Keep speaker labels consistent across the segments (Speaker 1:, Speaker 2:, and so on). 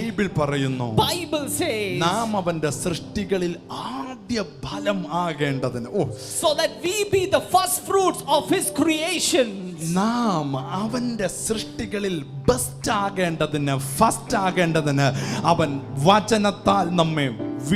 Speaker 1: Bible പറയുന്നു,
Speaker 2: Bible says,
Speaker 1: നാം അവന്റെ സൃഷ്ടികളിൽ ആദ്യ ഫലം ആകേണ്ടതിന്.
Speaker 2: so that we be the first fruits of his creation.
Speaker 1: നാം അവന്റെ സൃഷ്ടികളിൽ ബെസ്റ്റ് ആകേണ്ടതിന്, ഫസ്റ്റ് ആകേണ്ടതിന് അവൻ വചനത്താൽ നമ്മെ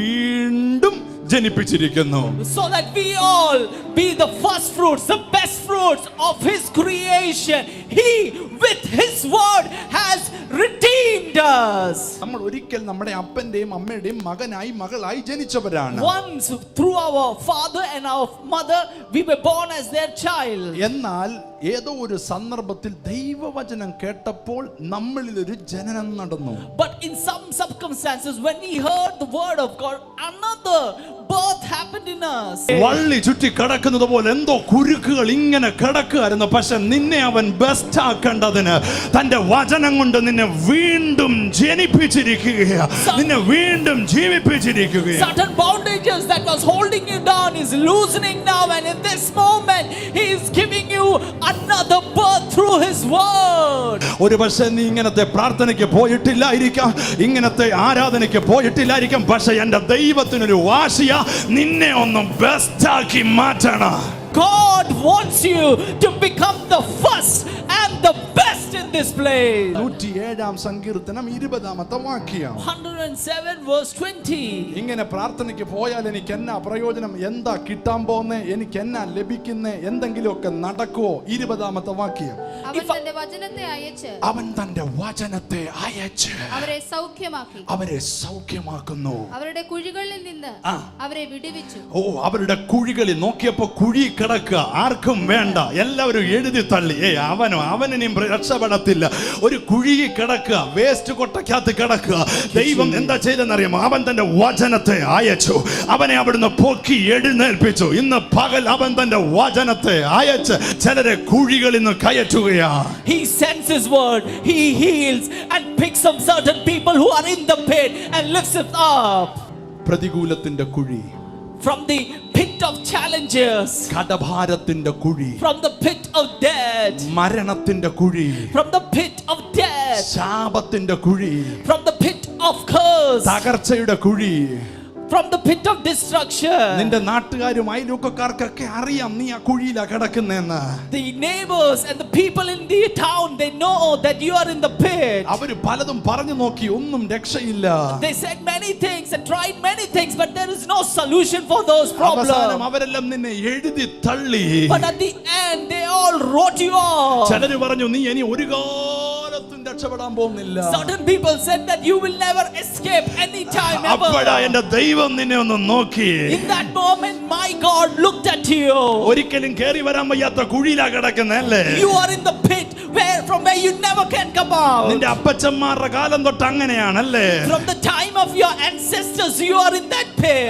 Speaker 1: വീണ്ടും ജനിപ്പിച്ചിരിക്കുന്നു.
Speaker 2: So that we all be the first fruits, the best fruits of his creation. He with his word has redeemed us.
Speaker 1: നമ്മൾ ഒരിക്കൽ നമ്മുടെ അപ്പന്റെയും അമ്മയുടെയും മകനായി മകളായി ജനിച്ചവരാണ്.
Speaker 2: Once through our father and our mother we were born as their child.
Speaker 1: എന്നാൽ ഏതോ ഒരു സന്ദർഭത്തിൽ ദൈവവചനം കേട്ടപ്പോൾ നമ്മളിൽ ഒരു ജനനം നടന്നു.
Speaker 2: But in some circumstances when we heard the word of God, another birth happened in us.
Speaker 1: വള്ളി ചുറ്റി കിടക്കുന്നത് പോലെ എന്തോ കുരുക്കുകൾ ഇങ്ങനെ കിടക്കുകയായിരുന്നു. പക്ഷെ നിന്നെ അവൻ ബെസ്റ്റ് ആക്കേണ്ടതിന് തന്റെ വചനം കൊണ്ട് നിന്നെ വീണ്ടും ജനിപ്പിച്ചിരിക്കുകയാണ്, നിന്നെ വീണ്ടും ജീവിപ്പിച്ചിരിക്കുകയാണ്.
Speaker 2: Certain bondages that was holding you down is loosening now, and in this moment he is giving you another birth through his word.
Speaker 1: ഒരു പക്ഷേ നീ ഇങ്ങനത്തെ പ്രാർത്ഥനയ്ക്ക് പോയിട്ടില്ലായിരിക്കാം, ഇങ്ങനത്തെ ആരാധനയ്ക്ക് പോയിട്ടില്ലായിരിക്കാം. പക്ഷെ എന്റെ ദൈവത്തിനൊരു വാശിയ നിന്നെ ഒന്ന് ബെസ്റ്റ് ആക്കി മാറ്റണം.
Speaker 2: God wants you to become the first and the best in this place.
Speaker 1: 107 സങ്കീർത്തനം 20 വാക്യം.
Speaker 2: 107 verse 20.
Speaker 1: ഇങ്ങനെ പ്രാർത്ഥനയ്ക്ക് പോയാൽ എനിക്ക് എന്നാ പ്രയോജനം, എന്താ കിട്ടാൻ പോകുന്നേ, എനിക്ക് എന്നാ ലഭിക്കുന്നേ, എന്തെങ്കിലുമൊക്കെ നടക്കുവോ? 20 വാക്യം.
Speaker 3: അവൻ തന്റെ വചനത്തെ അയച്ച്,
Speaker 1: അവൻ തന്റെ വചനത്തെ അയച്ച്
Speaker 3: അവരെ സൗഖ്യമാക്കി,
Speaker 1: അവരെ സൗഖ്യമാക്കുന്നു.
Speaker 3: അവരുടെ കുഴികളിൽ നിന്ന് അവരെ വിടുവിച്ചു.
Speaker 1: അവരുടെ കുഴികളിൽ നോക്കിയപ്പോ കുഴി കിടക്കുക, ആർക്കും വേണ്ട, എല്ലാവരും എഴുതി തള്ളി. അവനിനും രക്ഷപ്പെടത്തില്ല. ഒരു കുഴി കിടക്കുക, വേസ്റ്റ് കൊട്ടക്കകത്ത് കിടക്കുക. ദൈവം എന്താ ചെയ്തെന്നറിയാമോ? അവൻ തന്റെ വചനത്തെ അയച്ചു, അവനെ അവിടുന്ന് പൊക്കി എഴുന്നേൽപ്പിച്ചു. ഇന്ന് പകൽ അവൻ തന്റെ വചനത്തെ അയച്ച് ചിലരെ കുഴികളിൽ നിന്ന് കയറ്റുകയാ.
Speaker 2: He sends his word, he heals and picks up certain people who are in the pit and lifts it up.
Speaker 1: പ്രതികൂലത്തിന്റെ കുഴി,
Speaker 2: from the pit of challenges,
Speaker 1: കടഭാരത്തിന്റെ കുഴി,
Speaker 2: from the pit of death,
Speaker 1: മരണത്തിന്റെ കുഴി,
Speaker 2: from the pit of death,
Speaker 1: ശാപത്തിന്റെ കുഴി,
Speaker 2: from the pit of curse,
Speaker 1: തകർച്ചയുടെ കുഴി,
Speaker 2: from the pit of destruction.
Speaker 1: നിന്റെ നാട്ടുകാരും അയൽവക്കക്കാർക്കൊക്കെ അറിയാം നീ ആ കുഴിയിലാ കിടക്കുന്നെന്ന്.
Speaker 2: The neighbors and the people in the town, they know that you are in the pit.
Speaker 1: അവര് പലതും പറഞ്ഞു നോക്കി, ഒന്നും രക്ഷയില്ല.
Speaker 2: They said many things and tried many things, but there is no solution for those
Speaker 1: അവസാനം
Speaker 2: problems.
Speaker 1: അവരെല്ലാം നിന്നെ എഴുതി തള്ളി.
Speaker 2: But at the end they all wrote you off.
Speaker 1: ചിലര് പറഞ്ഞു നീ ഇനി ഒരു കാലത്തും രക്ഷപ്പെടാൻ പോകുന്നില്ല.
Speaker 2: Certain people said that you will never escape any time ever.
Speaker 1: അപ്പോഴാ എന്റെ ദൈവം നിന്നെ ഒന്ന് നോക്കി.
Speaker 2: In that moment my God looked at you.
Speaker 1: ഒരിക്കലും കേറി വരാൻ വയ്യാത്ത കുഴിയിലാ കിടക്കുന്നല്ലേ.
Speaker 2: You are in the pit from where you never can come out.
Speaker 1: നിന്റെ അപ്പച്ചന്മാരുടെ കാലം തൊട്ട് അങ്ങനെയാണല്ലേ.
Speaker 2: From the time of your ancestors you are in that pit.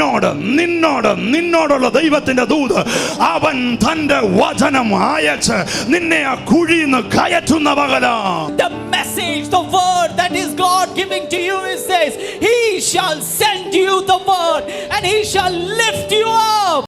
Speaker 1: നിന്നോടുള്ള ദൈവത്തിന്റെ ദൂത് അവൻ തന്റെ വചനം അയച്ച് നിന്നെ ആ കുഴിയിൽ നിന്ന് കയറ്റുന്ന പകലാ.
Speaker 2: The message, the word that is God giving to you is this: He shall send you the word and He shall lift you up.